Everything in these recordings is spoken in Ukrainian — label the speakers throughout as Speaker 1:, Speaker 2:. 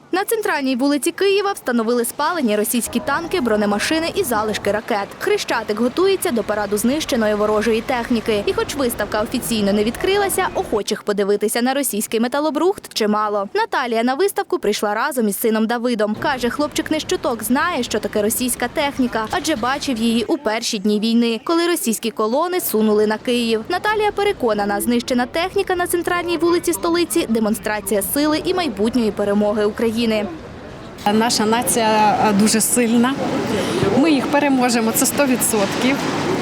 Speaker 1: На центральній вулиці Києва встановили спалені російські танки, бронемашини і залишки ракет. Хрещатик готується до параду знищеної ворожої техніки. І хоч виставка офіційно не відкрилася, охочих подивитися на російський металобрухт чимало. Наталія на виставку прийшла разом із сином Давидом. Каже, хлопчик не щуток знає, що таке російська техніка, адже бачив її у перші дні війни, коли російські колони сунули на Київ. Наталія переконана, знищена техніка на центральній вулиці столиці – демонстрація сили і майбутньої перемоги України.
Speaker 2: Наша нація дуже сильна, ми їх переможемо, це 100%.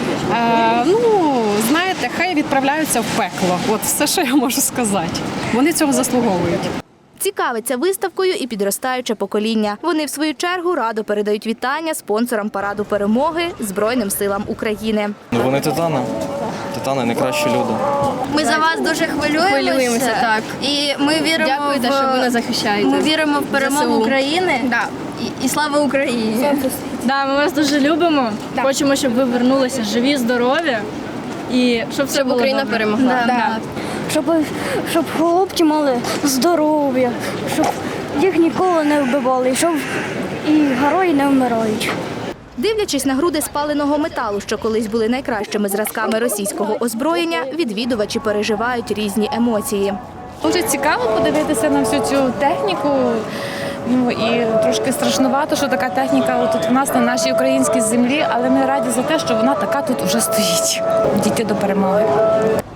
Speaker 2: Знаєте, хай відправляються в пекло, от все, що я можу сказати. Вони цього заслуговують.
Speaker 1: Цікавиться виставкою і підростаюче покоління. Вони, в свою чергу, радо передають вітання спонсорам параду перемоги Збройним силам України.
Speaker 3: Вони титани. Титани – найкращі люди.
Speaker 4: Ми за вас дуже хвилюємося. Так. І ми віримо,
Speaker 5: що ви нас захищаєте.
Speaker 4: Ми віримо в перемогу України.
Speaker 5: Да.
Speaker 4: І слава Україні!
Speaker 5: Да, ми вас дуже любимо.
Speaker 4: Да.
Speaker 5: Хочемо, щоб ви вернулися живі, здорові і щоб все було
Speaker 4: Україна
Speaker 5: добре.
Speaker 4: перемогла.
Speaker 5: Да.
Speaker 6: Щоб хлопці мали здоров'я, щоб їх ніколи не вбивали, щоб і герої не вмирають.
Speaker 1: Дивлячись на груди спаленого металу, що колись були найкращими зразками російського озброєння, відвідувачі переживають різні емоції.
Speaker 7: Дуже цікаво подивитися на всю цю техніку. І трошки страшнувато, що така техніка тут у нас на нашій українській землі, але ми раді за те, що вона така тут вже стоїть. Дійти до перемоги.